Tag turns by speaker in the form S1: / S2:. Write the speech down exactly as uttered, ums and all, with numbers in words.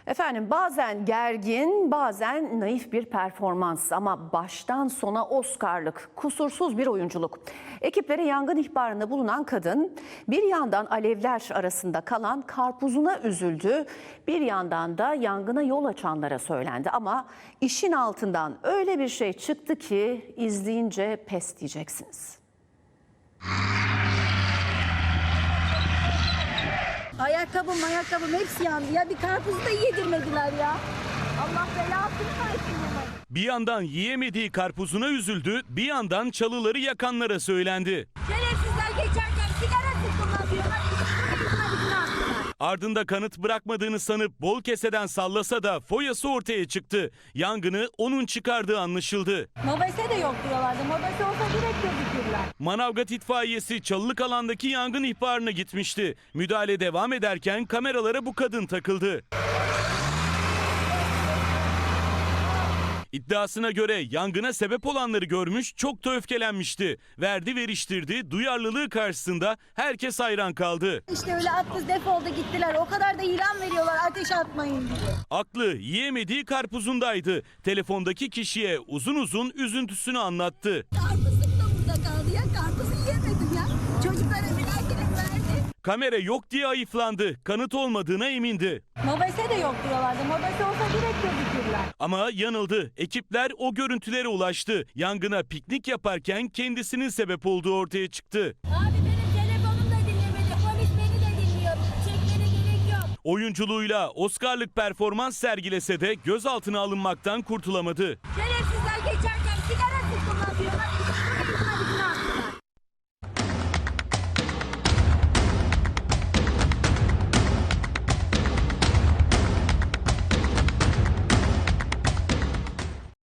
S1: Efendim bazen gergin, bazen naif bir performans ama baştan sona Oscar'lık, kusursuz bir oyunculuk. Ekiplere yangın ihbarında bulunan kadın bir yandan alevler arasında kalan karpuzuna üzüldü, bir yandan da yangına yol açanlara söylendi. Ama işin altından öyle bir şey çıktı ki izleyince pes diyeceksiniz.
S2: Ayakkabım ayakkabım hepsi yandı ya, bir karpuzu da yedirmediler ya. Allah belasını versin bunları.
S3: Bir yandan yiyemediği karpuzuna üzüldü, bir yandan çalıları yakanlara söylendi.
S2: Şerefsizler geçerken sigara sıktılar diyorlar. Üstüme yüzüme attılar.
S3: Ardında kanıt bırakmadığını sanıp bol keseden sallasa da foyası ortaya çıktı. Yangını onun çıkardığı anlaşıldı.
S2: Mobese de yok diyorlardı. Mobese olsa direkt gözükürler.
S3: Manavgat itfaiyesi çalılık alandaki yangın ihbarına gitmişti. Müdahale devam ederken kameralara bu kadın takıldı. İddiasına göre yangına sebep olanları görmüş, çok da öfkelenmişti. Verdi veriştirdi, duyarlılığı karşısında herkes hayran kaldı.
S2: İşte öyle attı, defoldu gittiler. O kadar da ilan veriyorlar ateş atmayın diye.
S3: Aklı yiyemediği karpuzundaydı. Telefondaki kişiye uzun uzun üzüntüsünü anlattı.
S2: Karpuzum da burada kaldı ya. Karpuzu yiyemedim ya. Çocuklara binerken verdi.
S3: Kamera yok diye ayıflandı. Kanıt olmadığına emindi.
S2: Mobese de yok diyorlardı. Mobese olsa direkt gözükürler.
S3: Ama yanıldı. Ekipler o görüntülere ulaştı. Yangına piknik yaparken kendisinin sebep olduğu ortaya çıktı.
S2: Abi benim telefonum da dinlemedi. Polis beni de dinliyor. Çekmene gerek yok.
S3: Oyunculuğuyla Oscar'lık performans sergilese de gözaltına alınmaktan kurtulamadı.
S2: Şerefsizler geçerken